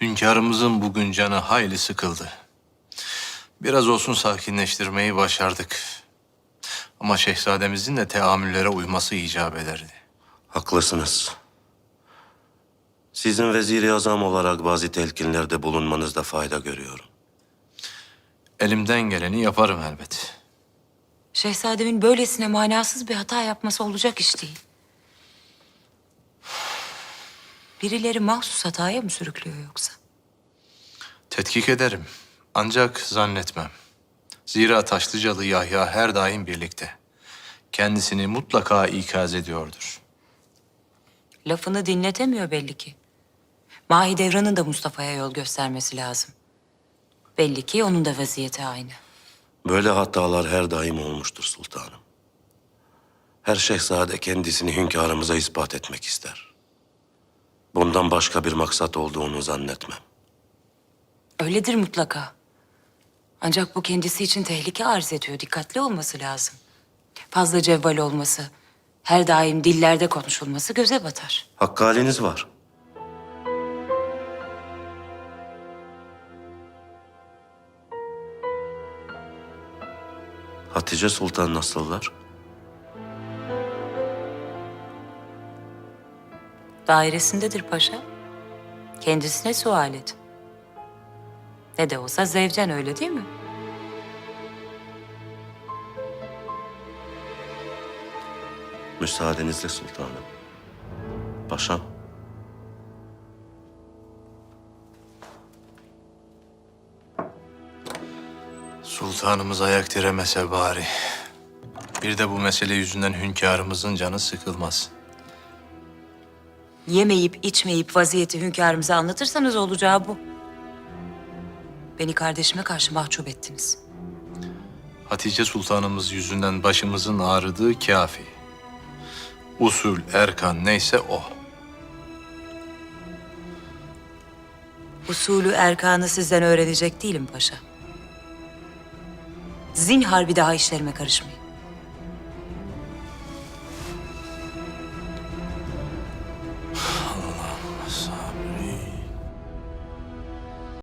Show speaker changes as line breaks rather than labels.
Hünkârımızın bugün canı hayli sıkıldı. Biraz olsun sakinleştirmeyi başardık. Ama şehzademizin de teamüllere uyması icap ederdi.
Haklısınız. Sizin vezir-i azam olarak bazı telkinlerde bulunmanızda fayda görüyorum.
Elimden geleni yaparım elbet.
Şehzademin böylesine manasız bir hata yapması olacak iş değil. Birileri mahsus hataya mı sürüklüyor yoksa?
Tetkik ederim. Ancak zannetmem. Zira Taşlıcalı Yahya her daim birlikte. Kendisini mutlaka ikaz ediyordur.
Lafını dinletemiyor belli ki. Mahidevran'ın da Mustafa'ya yol göstermesi lazım. Belli ki onun da vaziyeti aynı.
Böyle hatalar her daim olmuştur sultanım. Her şehzade kendisini hünkârımıza ispat etmek ister. Bundan başka bir maksat olduğunu zannetmem.
Öyledir mutlaka. Ancak bu kendisi için tehlike arz ediyor. Dikkatli olması lazım. Fazla cevval olması, her daim dillerde konuşulması göze batar.
Hakkı haliniz var. Hatice Sultan nasıllar?
Dairesindedir paşa. Kendisine sual et. Ne de olsa zevcen, öyle değil mi?
Müsaadenizle sultanım. Paşam.
Sultanımız ayak diremese bari. Bir de bu mesele yüzünden hünkârımızın canı sıkılmaz.
Yemeyip içmeyip vaziyeti hünkârımıza anlatırsanız olacağı bu. Beni kardeşime karşı mahcup ettiniz.
Hatice Sultanımız yüzünden başımızın ağrıdığı kafi. Usul, erkan neyse o.
Usulü erkanı sizden öğrenecek değilim paşa. Zinhar bir daha işlerime karışmayın.